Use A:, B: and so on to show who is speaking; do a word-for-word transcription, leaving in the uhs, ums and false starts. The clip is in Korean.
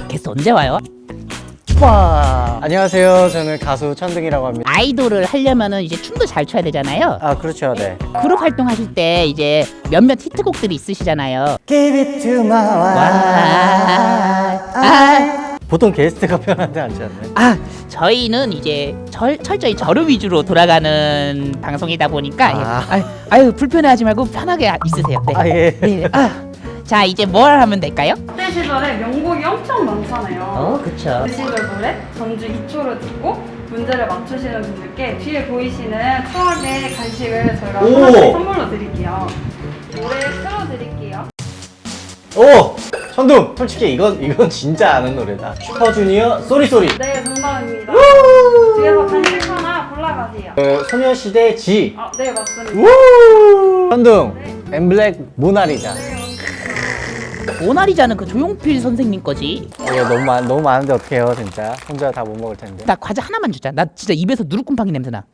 A: 게스트 언제 와요?
B: 와. 안녕하세요. 저는 가수 천둥이라고 합니다.
A: 아이돌을 하려면은 이제 춤도 잘 춰야 되잖아요.
B: 아, 그렇죠. 네.
A: 그룹 활동하실 때 이제 몇몇 히트곡들이 있으시잖아요.
B: Give it to my
A: 와.
B: wife. 보통 게스트가 편한데 않지 않나요?
A: 아, 저희는 이제 절, 철저히 저를 위주로 돌아가는 방송이다 보니까
B: 아.
A: 예. 아유, 아유 불편해하지 말고 편하게 있으세요. 네.
B: 아, 예.
A: 네. 아, 자 이제 뭘 하면 될까요?
C: 그때 시절에 명곡이 엄청 많잖아요.
A: 어, 그쵸.
C: 그 시절 노래 전주 이 초를 듣고 문제를 맞추시는 분들께 뒤에 보이시는 추억의 간식을 저희가
B: 오!
C: 하나씩 선물로 드릴게요. 노래 틀어드릴게요.
B: 오! 천둥! 솔직히 이건 이건 진짜 아는 노래다. 슈퍼주니어 쏘리쏘리.
C: 네, 정답입니다. 뒤에서 간식 하나 골라가세요.
B: 그 소녀시대 지.
C: 아, 네, 맞습니다.
B: 우! 천둥.
C: 네.
B: 엠블랙 모나리자.
C: 네, 맞습니다.
A: 모나리자는 그 조용필 선생님 거지.
B: 이거 너무 많 너무 많은데 어떡해요, 진짜. 혼자 다 못 먹을 텐데.
A: 나 과자 하나만 주자. 나 진짜 입에서 누룩곰팡이 냄새 나.